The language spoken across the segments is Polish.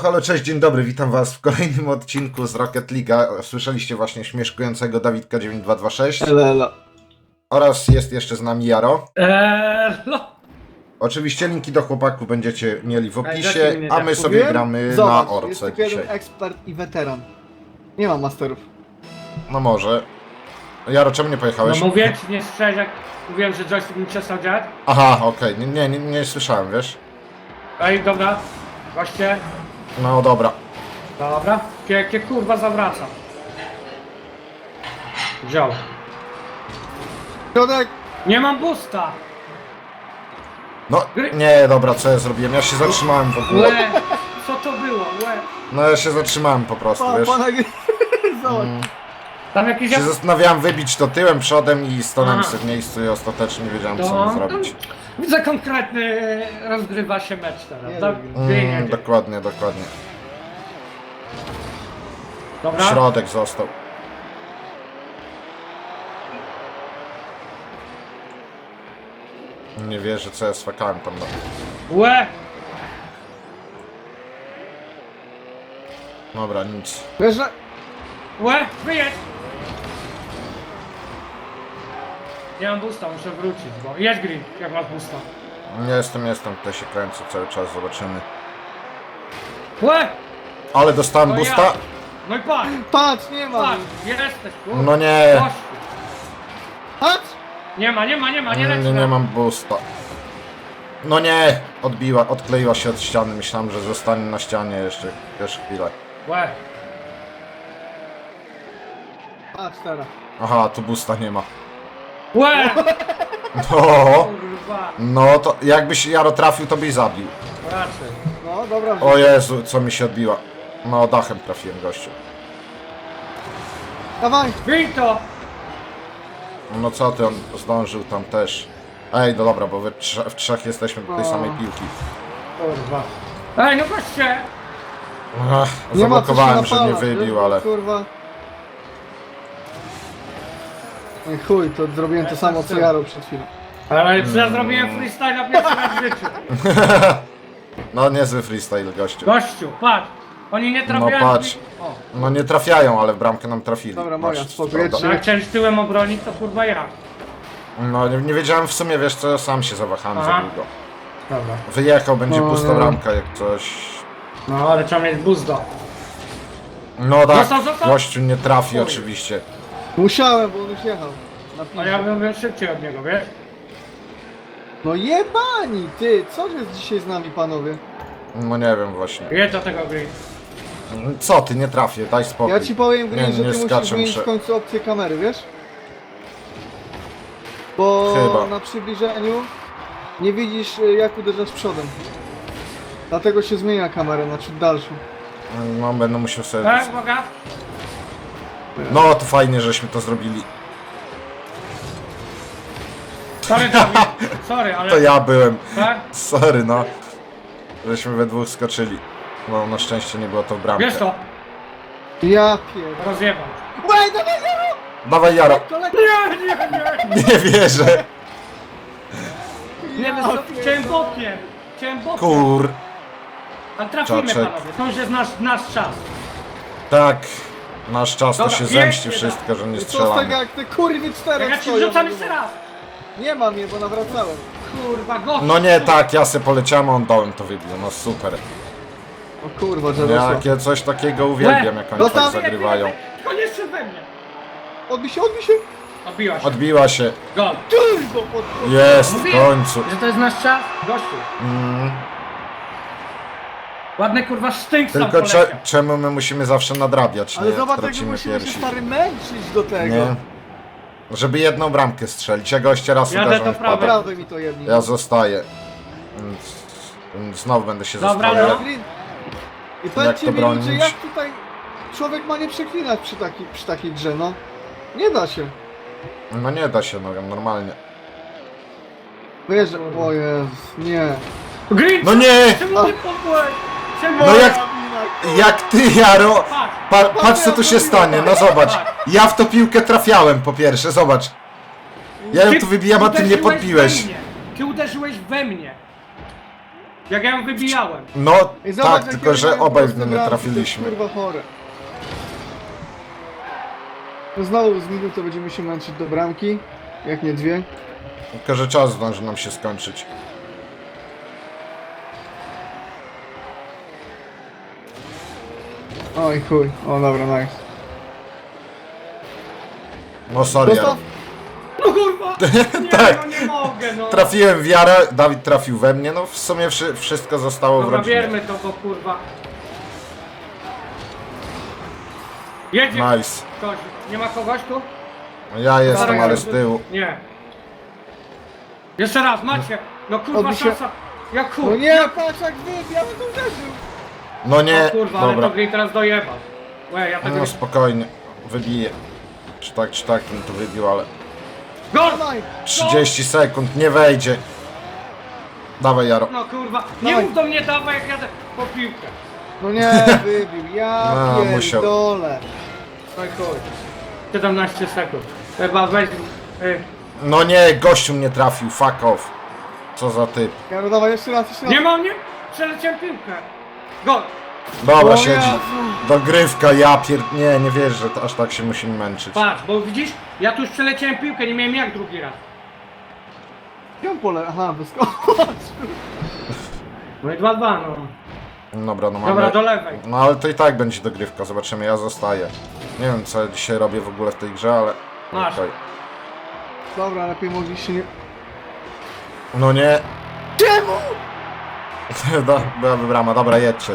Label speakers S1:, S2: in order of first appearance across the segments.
S1: halo, cześć, dzień dobry, witam was w kolejnym odcinku z Rocket League'a. Słyszeliście właśnie śmieszkującego Dawidka 9226
S2: Elo.
S1: oraz jest jeszcze z nami Jaro.
S3: No.
S1: Oczywiście linki do chłopaków będziecie mieli w
S3: Dajcie
S1: opisie,
S3: mnie
S1: a
S3: tak
S1: my sobie
S2: Mówiłem?
S1: gramy
S2: Zobacz,
S1: na
S2: jest
S1: orce
S2: tylko jeden
S1: dzisiaj.
S2: ekspert i weteran. Nie ma masterów.
S1: No może. Jaro, czemu nie pojechałeś?
S3: No mówię ci, nie słyszałeś jak mówiłem, że joystick mi przestał działać?
S1: Aha, okej, nie słyszałem, wiesz?
S3: Ej, dobra. Goście.
S1: No dobra.
S3: Dobra. Jakie kurwa zawraca. Wziął.
S2: Środek!
S3: Nie mam boosta.
S1: No, nie, dobra, co ja zrobiłem? Ja się zatrzymałem w ogóle.
S3: Łe. Co to było? Łe.
S1: No ja się zatrzymałem po prostu, wiesz?
S2: Zobacz.
S3: Tam jakiś...
S1: Się zastanawiałem wybić to tyłem, przodem i stanąłem
S3: Aha.
S1: sobie w miejscu i ostatecznie nie wiedziałem co
S3: To-
S1: mam zrobić.
S3: Widzę konkretny rozgrywa się mecz teraz.
S2: Nie
S3: Tak?
S2: wiem.
S3: Jedzie.
S1: Dokładnie.
S3: Dobra.
S1: Środek został. Nie wierzę co ja swakałem tam.
S3: Łe.
S1: Dobra, nic.
S2: Wiesz, że...
S3: Łe. Wyjedź. Nie mam boosta, muszę wrócić, bo... Jedź Green, jak masz boosta.
S1: Nie jestem, tutaj się kręcę cały czas, zobaczymy.
S3: Łe.
S1: Ale dostałem
S3: To
S1: boosta?
S3: ja. No i patrz.
S2: Patrz, nie ma!
S3: Patrz, jesteś, kurwa.
S1: No nie,
S3: Gościu.
S2: Patrz!
S3: Nie ma, nie leci.
S1: nie mam boosta. No nie, odkleiła się od ściany, myślałem, że zostanie na ścianie jeszcze chwilę.
S3: Łe.
S2: Patrz teraz.
S1: Aha, tu boosta nie ma.
S3: Łe.
S1: No,
S3: Kurwa.
S1: no to jakbyś Jaro trafił, to byś zabił.
S3: Raczej.
S2: No, dobra.
S1: O Jezu, co mi się odbiła. No, dachem trafiłem gościu.
S2: Dawaj!
S3: Bij to.
S1: No co ty, on zdążył tam też. Ej, no dobra, bo w trzech jesteśmy do tej samej piłki.
S3: Kurwa. Ej, no goście.
S1: Ach,
S2: Nie ma co się
S1: zablokowałem, że nie
S2: napalać,
S1: wybił,
S2: wiesz,
S1: ale...
S2: Kurwa. No i chuj, to zrobiłem to samo co Jaro przed chwilą.
S3: Ale ja zrobiłem freestyle na pierwszy raz w życiu.
S1: No, niezły freestyle, gościu.
S3: Gościu, patrz. Oni nie trafiają.
S1: No patrz.
S3: O.
S1: No nie trafiają, ale w bramkę nam trafili.
S2: Dobra, moja,
S1: Masz,
S2: spoko,
S1: prawda?
S2: jedźcie.
S3: No jak chciałeś tyłem obronić, to kurwa ja.
S1: No nie wiedziałem w sumie, wiesz co, sam się zawahałem za
S3: Aha.
S1: długo.
S3: Dobra.
S1: Wyjechał, będzie
S2: No,
S1: pusta
S2: nie.
S1: bramka jak coś.
S3: No ale trzeba mieć boosta.
S1: No tak,
S3: Zostaw.
S1: gościu nie trafi
S3: Oj.
S1: oczywiście.
S2: Musiałem, bo on już jechał. Na
S3: A
S2: piłkę.
S3: ja bym szybciej od niego, wiesz?
S2: No jebani, ty! Co jest dzisiaj z nami, panowie?
S1: No nie wiem właśnie.
S3: Jedź do tego Green.
S1: Co ty, nie trafię, daj spokój.
S2: Ja ci powiem, Green, że ty musisz
S1: skaczę,
S2: zmienić w końcu opcję kamery, wiesz? Bo
S1: Chyba.
S2: na przybliżeniu nie widzisz jak uderzasz przodem. Dlatego się zmienia kamerę na ciut dalszą.
S1: No będę musiał sobie...
S3: Tak, uwaga.
S1: No to fajnie, żeśmy to zrobili.
S3: Sorry, Dawid. Sorry, ale...
S1: To ja byłem.
S3: Tak?
S1: Sorry no. Żeśmy we dwóch skoczyli. No na szczęście nie było to w bramkę.
S3: Wiesz to?
S2: Ja pierdolę.
S3: Rozjebał.
S2: Łej, dawaj, Jaro!
S1: Dawaj Jaro.
S2: Kolego!
S3: Nie.
S1: Nie wierzę.
S3: Nie wiem, chciałem bokiem. Chciałem bokiem.
S1: Kur...
S3: A trafimy,
S1: Czaczek.
S3: panowie. To już jest nasz czas.
S1: Tak. Nasz czas to
S3: Dobra,
S1: się
S3: jedźcie
S1: zemści
S3: tam.
S1: wszystko, że nie
S2: Co z
S1: strzelamy.
S2: tego jak te kurwy
S3: Jak
S2: czterech
S3: ja ci
S2: stoją?
S3: wrzucam jeszcze raz.
S2: Nie mam je, bo nawracałem.
S3: Kurwa, gość.
S1: No nie tak, ja se poleciałem, a on dołem to wybił. No super.
S2: O kurwa, Jarosław.
S1: Jakie coś takiego uwielbiam, jak oni
S2: No
S1: tak
S2: tam-
S1: zagrywają.
S3: To nie jeszcze we mnie.
S2: Odbij się, odbij się!
S3: Odbiła się.
S1: Odbiła się.
S3: Gol.
S2: Turbo pod...
S1: Jest, w
S3: Mówiłem,
S1: końcu.
S3: że to jest nasz czas? Gościu. Ładny kurwa sztynk sam
S1: Tylko
S3: poleciał.
S1: czemu my musimy zawsze nadrabiać,
S2: Ale
S1: nie?
S2: zobacz, jak my
S1: Tracimy
S2: musimy się
S1: piersi.
S2: stary męczyć do tego.
S1: Nie? Żeby jedną bramkę strzelić. Ja goście raz
S3: Jadę
S1: uderzą
S3: do
S1: w
S3: prawej.
S1: padek.
S2: Naprawdę mi to jedni.
S1: Ja zostaję. Znowu będę się
S3: Dobra,
S1: zastanawiał.
S3: no.
S2: Green. I
S1: Jak
S2: powiedzcie
S1: to
S2: mi ludzie,
S1: bronić?
S2: jak tutaj człowiek ma nie przeklinać przy takiej grze, no? Nie da się.
S1: No nie da się, no normalnie.
S2: Wiesz, o Jezus, nie.
S3: Green,
S1: No nie!
S3: czemu ty popłeś? Czemu?
S1: No jak ty, Jaro! Patrz co tu się stanie, no zobacz. Ja w to piłkę trafiałem po pierwsze, zobacz. Ja ją tu wybijam, a ty nie
S3: uderzyłeś
S1: podbiłeś.
S3: we mnie. Ty uderzyłeś we mnie. Jak ja ją wybijałem.
S1: No
S2: Ej, zobacz,
S1: tak,
S2: jakie
S1: tylko że
S2: mają
S1: obaj w
S2: proste
S1: nie
S2: bramki,
S1: trafiliśmy.
S2: To jest kurwa chore. No znowu z minutą będziemy się męczyć do bramki, jak nie dwie.
S1: Tylko że czas zdąży nam się skończyć.
S2: Oj chuj, o dobra, nice.
S1: No sorry,
S2: Dostał?
S1: Jaro.
S3: No kurwa! Nie,
S1: Tak.
S3: no nie mogę, no.
S1: Trafiłem w Jara, Dawid trafił we mnie, no w sumie wszystko zostało w
S3: Dobra,
S1: rodzinie.
S3: bierzmy to, bo kurwa. Jedzie
S1: Nice.
S3: ktoś. Nie ma kogoś tu?
S1: Ja jestem,
S3: Dobra,
S1: ale z tyłu.
S3: Nie. Jeszcze raz, macie. No kurwa,
S2: Odbi się-
S3: szansa. Jak chuj.
S2: No nie, patrz jak wy, ja bym to uderzył.
S1: No nie,
S3: O kurwa, ale
S1: dobra.
S3: to Green teraz dojebał. Łe, ja tego
S1: No
S3: nie...
S1: spokojnie, wybiję. Czy tak bym to wybił, ale...
S3: Gol!
S2: Dawaj,
S1: 30 sekund, nie wejdzie. Dawaj, Jaro.
S3: No kurwa, nie
S2: Dawaj.
S3: mów do mnie dawaj jak jadę po piłkę.
S2: no nie, wybił, ja
S1: No, musiał.
S2: pierdolę.
S3: No i chuj. 17 sekund. Chyba weź...
S1: No nie, gościu mnie trafił, fuck off. Co za typ.
S2: Jaro, dawaj, jeszcze raz, jeszcze raz.
S3: Nie ma mnie? Przeleciałem piłkę. Gol!
S1: Dobra,
S2: O
S1: siedzi.
S2: Jezu.
S1: Dogrywka, nie wierzę, że to aż tak się musimy męczyć.
S3: Patrz, bo widzisz, ja tu już przeleciałem piłkę, nie miałem jak drugi raz.
S2: Gdzie on pole? Aha, wyskoczył.
S3: No i 2-2, no.
S1: Dobra, no mamy...
S3: Dobra, do lewej.
S1: No ale to i tak będzie dogrywka, zobaczymy, ja zostaję. Nie wiem co ja dzisiaj robię w ogóle w tej grze, ale...
S3: Masz.
S1: Okej.
S2: Dobra, lepiej mogliście nie...
S1: No nie,
S2: Czemu?
S1: byłaby brama, dobra, jedźcie.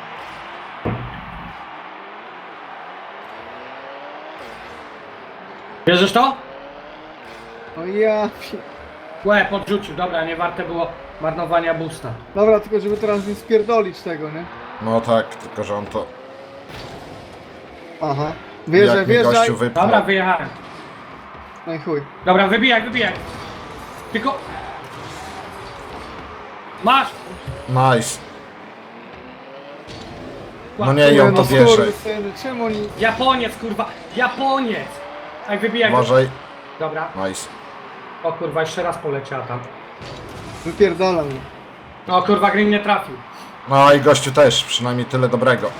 S3: Bierzesz to?
S2: O ja
S3: Łe, podrzucił, dobra, nie warte było marnowania boosta.
S2: Dobra, tylko żeby teraz nie spierdolić tego, nie?
S1: No tak, tylko że on to...
S2: Aha. Wjeżdżaj,
S1: Jak mnie
S2: wjeżdżaj.
S1: gościu wypnął.
S3: Dobra, wyjechałem.
S2: No i chuj.
S3: Dobra, wybijaj. Tylko... Masz!
S1: Nice. No nie, i on to
S2: no
S1: bierze.
S2: skurwysyny, czemu oni...
S3: Japoniec, kurwa! Japoniec! Ej, wybijaj.
S1: Uważaj.
S3: Dobra.
S1: Nice.
S3: O kurwa, jeszcze raz poleciała tam.
S2: Wypierdala mnie.
S3: O kurwa, Green nie trafił.
S1: No i gościu też, przynajmniej tyle dobrego.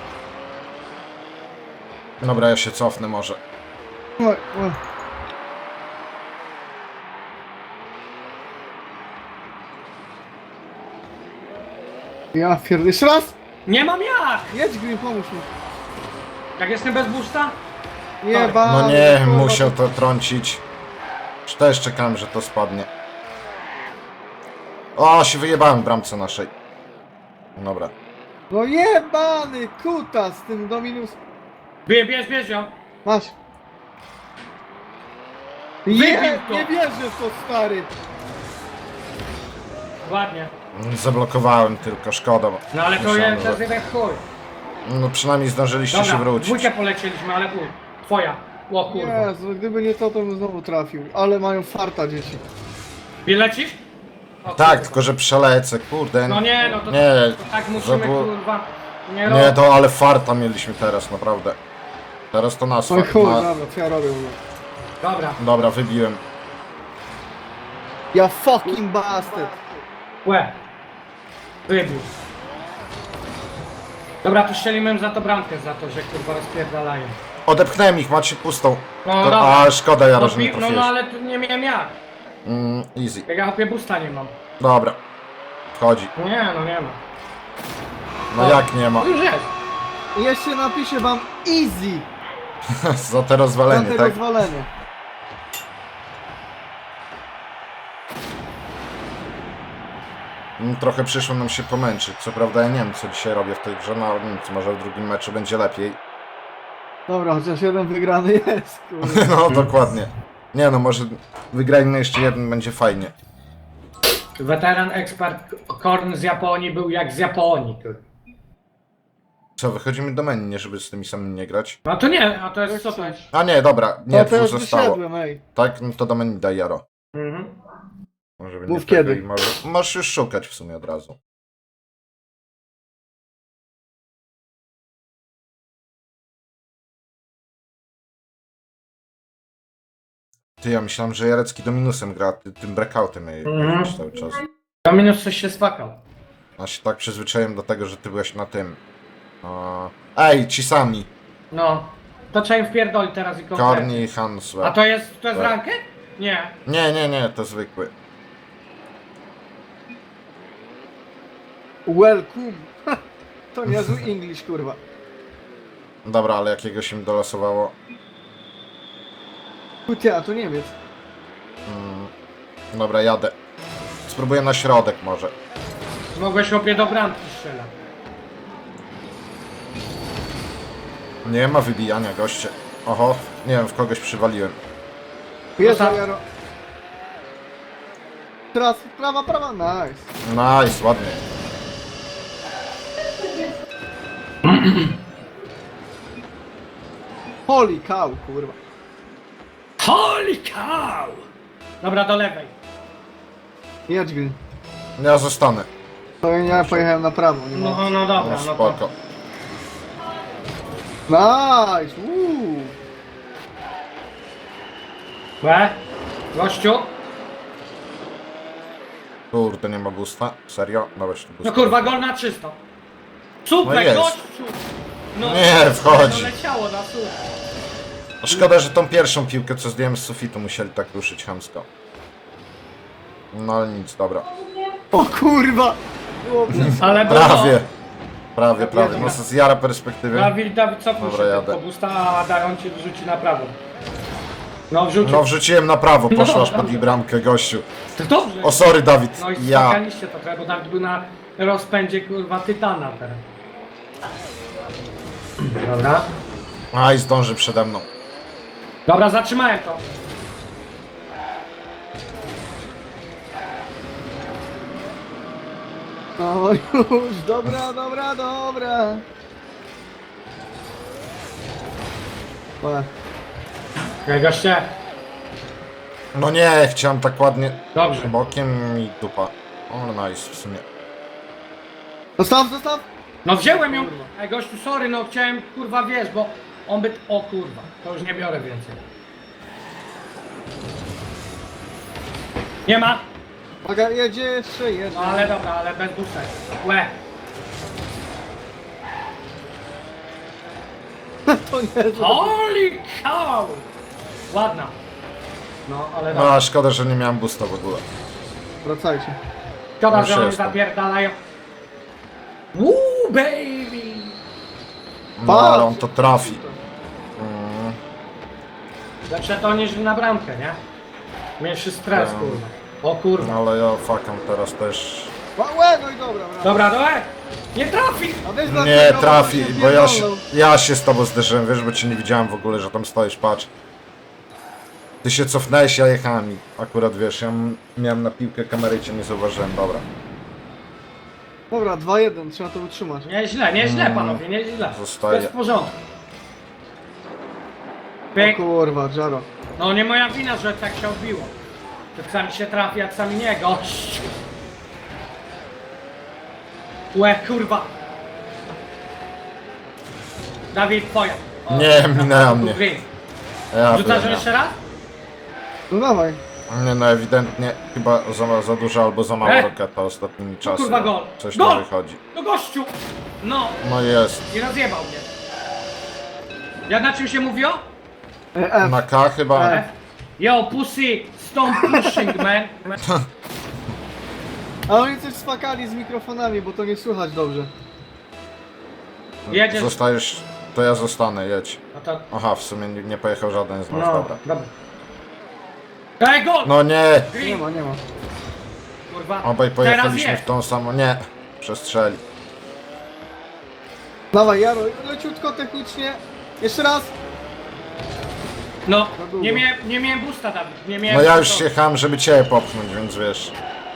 S1: Dobra, ja się cofnę może.
S2: Oj, oj. Ja pierdolę. Jeszcze raz!
S3: Nie mam jak!
S2: Jedź Green, pomóż mi.
S3: Jak jestem bez boosta?
S2: Nie,
S3: Tak.
S2: ba.
S1: No nie,
S2: kurwa,
S1: musiał to trącić. Czy też czekałem, że to spadnie. O, się wyjebałem w bramce naszej. Dobra.
S2: No jebany kuta z tym Dominus.
S3: Bierz ją.
S2: Masz.
S3: Wybił to.
S2: Nie wierzę w to, stary.
S3: Ładnie.
S1: Zablokowałem tylko, szkoda. Bo
S3: No ale to
S1: myślałem,
S3: jest, to jest
S1: że...
S3: jeden chuj.
S1: No przynajmniej zdążyliście się
S3: Dobra,
S1: wrócić.
S3: dwójkę polecieliśmy, ale chuj. Twoja. O kurwa.
S2: Jezu, gdyby nie to, to bym znowu trafił. Ale mają farta dzieci.
S3: Lecisz? O,
S1: Tak,
S3: kurwa.
S1: tylko że przelecę, kurde.
S3: No nie, no to,
S1: Nie,
S3: to tak musimy
S1: było-
S3: kurwa. Nie,
S1: Nie,
S3: robić.
S1: to ale farta mieliśmy teraz, naprawdę. Teraz to nas
S2: Oj
S1: fart.
S2: chuj,
S1: Na...
S2: dobra, co ja robię w ogóle?
S3: Dobra.
S1: Dobra, wybiłem.
S2: Ja fucking bastard.
S3: Łe. Wybił. Dobra, to strzelimy za to bramkę, za to, że kurwa rozpierdalają.
S1: Odepchnąłem ich, macie pustą.
S3: No
S1: To,
S3: dobra.
S1: a szkoda, Jaro,
S3: No,
S1: że nie
S3: no,
S1: trafiłeś.
S3: no ale tu nie miałem jak.
S1: Easy.
S3: Jak ja hopie busta nie mam.
S1: Dobra. Wchodzi.
S3: Nie, no nie ma.
S1: No
S3: O.
S1: jak nie ma?
S3: Już jest.
S2: I jeszcze napiszę wam easy
S1: Za te
S2: za
S1: rozwalenie,
S2: te
S1: tak?
S2: rozwalenie.
S1: Trochę przyszło nam się pomęczyć. Co prawda ja nie wiem, co dzisiaj robię w tej grze, no ale nic, może w drugim meczu będzie lepiej.
S2: Dobra, chociaż jeden wygrany jest, kurde.
S1: No dokładnie. Nie no, może wygrajmy jeszcze jeden, będzie fajnie.
S3: Weteran ekspert Korn z Japonii był jak z Japonii. Kurwa.
S1: Co, wychodzimy do menu, nie żeby z tymi samymi nie grać?
S3: No to nie, a to jest
S2: Jak
S3: co to
S2: chcesz.
S3: jest?
S1: A nie, dobra, nie,
S2: No to
S1: dwóch
S2: już
S1: zostało.
S2: wyszedłem, ej.
S1: Tak, no to do menu daj Jaro.
S3: Mhm.
S1: Może
S2: Mów
S1: tego
S2: kiedy.
S1: i możesz już szukać w sumie od razu. Ty, ja myślałem, że Jarecki do minusem gra, tym breakoutem jej
S3: Mhm.
S1: cały czas.
S3: To minus coś się spakał.
S1: Ja się tak przyzwyczaiłem do tego, że ty byłeś na tym. Ej, ci sami.
S3: No. To trzeba im wpierdolić teraz i konkretnie.
S1: Korni i Hanswell.
S3: A to jest
S1: Tak.
S3: rankę? Nie.
S1: Nie, to zwykły.
S2: Welcome. To niezły English, kurwa.
S1: Dobra, ale jakiegoś im dolosowało.
S2: Ty, a to Niemiec.
S1: Dobra, jadę. Spróbuję na środek może.
S3: Mogłeś opie do bramki strzelać.
S1: Nie ma wybijania, goście. Oho, nie wiem, w kogoś przywaliłem.
S2: Jezu,
S3: tam-
S2: Jaro. Teraz prawa, nice.
S1: Nice, ładnie.
S2: Holy cow, kurwa.
S3: Holy cow! Dobra, do lewej.
S2: Jedź, Green.
S1: Ja zostanę.
S2: To ja pojechałem na prawo, nie ma.
S3: No dobra,
S1: No,
S3: no to...
S1: spoko.
S2: Nice, uuu.
S3: Łe? Gościu?
S1: Kurde, nie ma boosta. Serio? Dobra, czy to
S3: No
S1: boost.
S3: kurwa, gol na czysto. Super,
S1: No jest.
S3: gościu! No,
S1: Nie, wchodzi.
S3: No leciało na super.
S1: Szkoda, że tą pierwszą piłkę, co zdjąłem z sufitu, musieli tak ruszyć chamsko. No ale nic, dobra.
S2: O kurwa. Było blisko.
S3: Ale było.
S1: Prawie. No z jara perspektywy.
S3: Dawid, cofnij
S1: Dobra,
S3: się
S1: jadę.
S3: tylko, busta, a Daron ci wrzuci na prawo. No wrzucił.
S1: No wrzuciłem na prawo, poszła
S3: No,
S1: aż pod ich bramkę, gościu.
S3: To dobrze.
S1: O sorry, Dawid.
S3: No i
S1: Ja.
S3: skakaliście to trochę, bo Dawid był na rozpędzie kurwa tytana teraz. Dobra.
S1: Aj, zdąży przede mną.
S3: Dobra, zatrzymałem to.
S2: No już, dobra. Dobra.
S3: Okej, goście.
S1: No nie, chciałem tak ładnie
S3: Dobrze.
S1: bokiem i dupa. O, nice w sumie.
S2: Zostaw.
S3: No wziąłem ją.
S2: Kurwa.
S3: Ej gościu, sorry, no chciałem kurwa wiesz, bo on by... O kurwa, to już nie biorę więcej. Nie ma.
S2: Uwaga, jedzie jeszcze jeden.
S3: No ale dobra, ale bez busek. Łe.
S2: To nie, to...
S3: Holy cow! Ładna. No, ale
S1: No,
S3: dobra.
S1: a szkoda, że nie miałem boosta w ogóle.
S2: Wracajcie.
S3: Szkoda,
S1: już
S3: że oni
S1: jestem.
S3: zapierdalają. Woo, baby!
S1: No, ale on to trafi.
S3: Lepsze to niż na bramkę, nie? Mniejszy stres,
S1: No.
S3: kurwa. O kurwa.
S1: No, ale ja fakam teraz też.
S2: Łe, no i dobra, brawo.
S3: Dobra, dobra. Nie trafi!
S2: A weź
S1: Nie
S2: dlaczego,
S1: trafi,
S2: się
S1: bo
S2: pierdolną.
S1: ja się z tobą zderzyłem, wiesz, bo cię nie widziałem w ogóle, że tam stoisz, patrz. Ty się cofnęłeś, ja jechałem i akurat wiesz, ja miałem na piłkę kamerę i cię nie zauważyłem, dobra.
S2: Dobra, 2-1, trzeba to utrzymać.
S3: Nieźle panowie, nieźle.
S1: Zostaje.
S3: To jest w porządku.
S2: O
S3: Pyk.
S2: kurwa, Jaro.
S3: No nie moja wina, że tak się odbiło. Czasami się trafi, a czasami nie, gość. Łe, kurwa. Dawid, twoja. O,
S1: Nie,
S3: na
S1: minęła
S3: początku
S1: mnie.
S3: gry.
S1: Ja
S3: Rzucasz
S1: byłem,
S3: jeszcze raz?
S2: No dawaj.
S1: Nie, no ewidentnie chyba za dużo albo za mało roketa ostatnimi czasy.
S3: kurwa, gol.
S1: Coś
S3: Gol!
S1: nie wychodzi.
S3: No gościu! No!
S1: No jest.
S3: I rozjebał mnie. Jak na czym się mówiło?
S2: F.
S1: Na K chyba.
S3: Yo, pussy, stop pushing, man.
S2: A oni coś spakali z mikrofonami, bo to nie słychać dobrze.
S3: Jedziesz.
S1: Zostajesz, to ja zostanę, jedź.
S3: No to...
S1: Aha, w sumie nie pojechał żaden z nas,
S3: No,
S1: dobra.
S3: dobra. Ej, gol!
S1: No nie,
S2: Nie
S3: Green,
S2: ma.
S3: kurwa.
S1: obaj
S3: Teraz
S1: pojechaliśmy
S3: jest.
S1: w tą samą, nie. Przestrzeli.
S2: Dawaj, Jaro, leciutko technicznie. Jeszcze raz.
S3: No,
S2: Za długo.
S3: nie miałem boosta, Dawid. Nie miałem
S1: No ja już
S3: boosta.
S1: jechałem, żeby cię popchnąć, więc wiesz.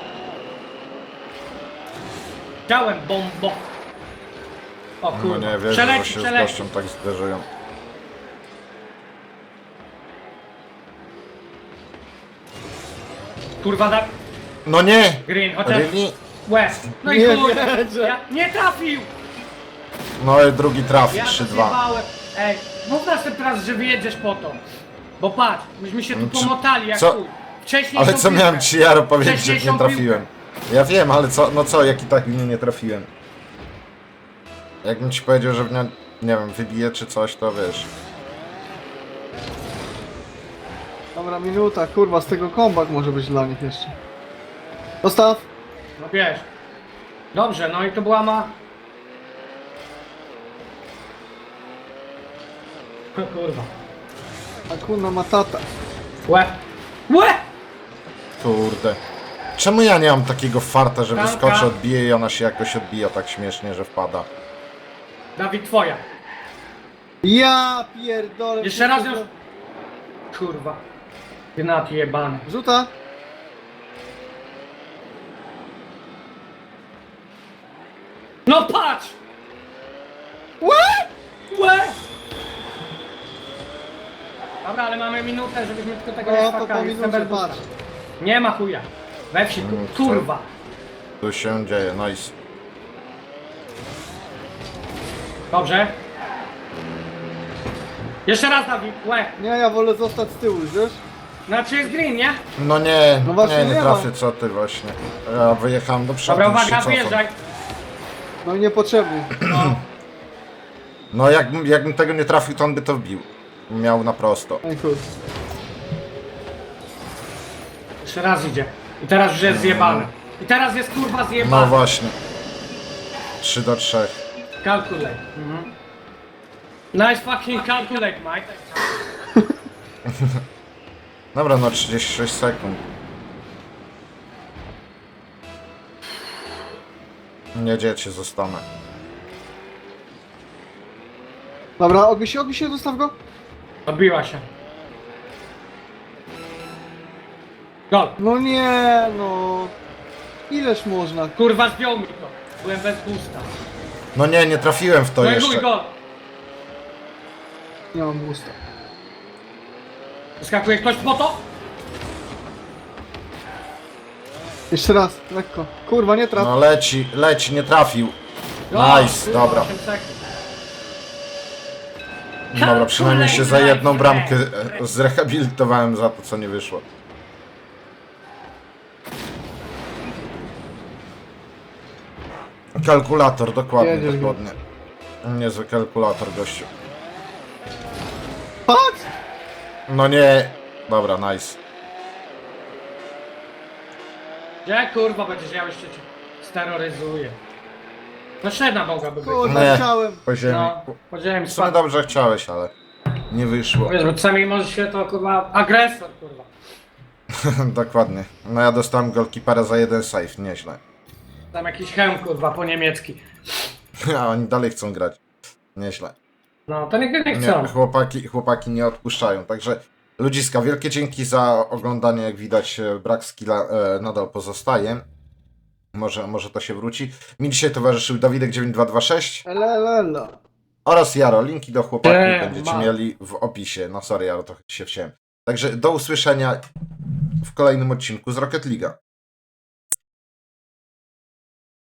S3: Dałem bombo. O
S1: No
S3: kurwa.
S1: nie wiesz, że
S3: Przeleci,
S1: się z
S3: przeleci.
S1: gościem tak zderzyłem.
S3: Kurwa, Dawid.
S1: No nie!
S3: Green, chociaż...
S1: Really?
S3: Łe. No i
S2: Nie
S3: chuj.
S2: wierzę.
S3: Ja, nie trafił!
S1: No i drugi trafi,
S3: Ja to
S1: 3-2.
S3: zjebałem. Ej, mów następny raz, że wyjedziesz po to. Bo patrz, myśmy się tu
S1: No,
S3: pomotali jak
S1: co?
S3: chuj. Wcześniej
S1: Ale
S3: tą
S1: co
S3: piłkę.
S1: miałem ci Jaro powiedzieć, jak
S3: Wcześniejszą
S1: nie trafiłem? Ja wiem, ale co, no co, jak i tak mnie nie trafiłem. Jakbym ci powiedział, że mnie, nie wiem, wybije czy coś, to wiesz.
S2: Dobra, minuta, kurwa, z tego comeback może być dla nich jeszcze. Dostaw!
S3: No wiesz. Dobrze, no i to była O kurwa.
S2: Hakuna Matata.
S3: Łe! Łe!
S1: Kurde. Czemu ja nie mam takiego farta, że
S3: Bramka.
S1: wyskoczę, odbiję i ona się jakoś odbija tak śmiesznie, że wpada?
S3: Dawid, twoja.
S2: Ja pierdolę.
S3: Jeszcze raz już. Kurwa. Gnaty jebany.
S2: Rzuta!
S3: No patrz!
S2: Łe!
S3: Łe! Dobra, ale mamy minutę, żebyśmy tylko tego nie
S2: No to po
S3: spakali.
S2: minucie, patrz.
S3: Nie ma chuja. We wsi, kurwa.
S1: Tu się dzieje, nice.
S3: Dobrze. Jeszcze raz, Dawid. Łe.
S2: Nie, ja wolę zostać z tyłu, wiesz?
S3: Znaczy jest green, nie?
S1: No nie,
S2: No właśnie
S1: nie
S2: nie
S1: trafię,
S2: mam.
S1: co ty właśnie. Ja wyjechałem do przodu.
S3: Dobra,
S1: już się
S3: uwaga,
S1: cofam.
S3: wjeżdżaj.
S2: No i niepotrzebnie.
S3: No.
S1: No jakbym tego nie trafił, to on by to wbił. Miał na prosto.
S2: Ej, chuj.
S3: Jeszcze raz idzie. I teraz już jest zjebany. I teraz jest kurwa
S1: No
S3: zjebany.
S1: właśnie. 3-3.
S3: Calculate. Mhm. Nice fucking calculate, Mike.
S1: Dobra, no 36 sekund. Nie dziecię, zostanę.
S2: Dobra, odbij się, dostaw go.
S3: Odbiła się. Gol.
S2: No nie, no. Ileż można?
S3: Kurwa zdjął mi to. Byłem bez boosta.
S1: No nie trafiłem w to
S3: No i chuj,
S1: jeszcze.
S3: gol.
S2: Nie mam gusta.
S3: Wyskakuje ktoś po to?
S2: Jeszcze raz, lekko. Kurwa, nie traf.
S1: No leci, nie trafił.
S3: Gol.
S1: Nice,
S3: Kurwa,
S1: dobra.
S3: 8 sekund.
S1: Dobra, przynajmniej się za jedną bramkę zrehabilitowałem za to, co nie wyszło. Kalkulator, dokładnie,
S2: Jedziesz go.
S1: dokładnie. Niezły kalkulator, gościu.
S2: Patrz!
S1: No nie. Dobra, nice.
S3: Gdzie kurwa będziesz miał jeszcze cię steroryzuje. No średnia mogłaby być.
S2: Kurwa,
S1: Nie.
S2: chciałem.
S1: Po ziemi.
S3: No, podziałem
S1: W sumie
S3: spadł.
S1: dobrze chciałeś, ale nie wyszło.
S3: Wiesz, bo czasami może się to kurwa agresor kurwa.
S1: Dokładnie. No ja dostałem golkipera za jeden save, nieźle.
S3: Tam jakiś hełm kurwa po niemiecki.
S1: A oni dalej chcą grać. Nieźle.
S3: No to nigdy nie
S1: Nie,
S3: chcą.
S1: chłopaki nie odpuszczają, także ludziska, wielkie dzięki za oglądanie, jak widać brak skilla nadal pozostaje. Może to się wróci. Mi dzisiaj towarzyszył Dawidek9226
S2: Elelelo.
S1: oraz Jaro. Linki do chłopaków
S3: Nie,
S1: będziecie
S3: ma.
S1: mieli w opisie. No sorry Jaro, trochę się wciąłem. Także do usłyszenia w kolejnym odcinku z Rocket League'a.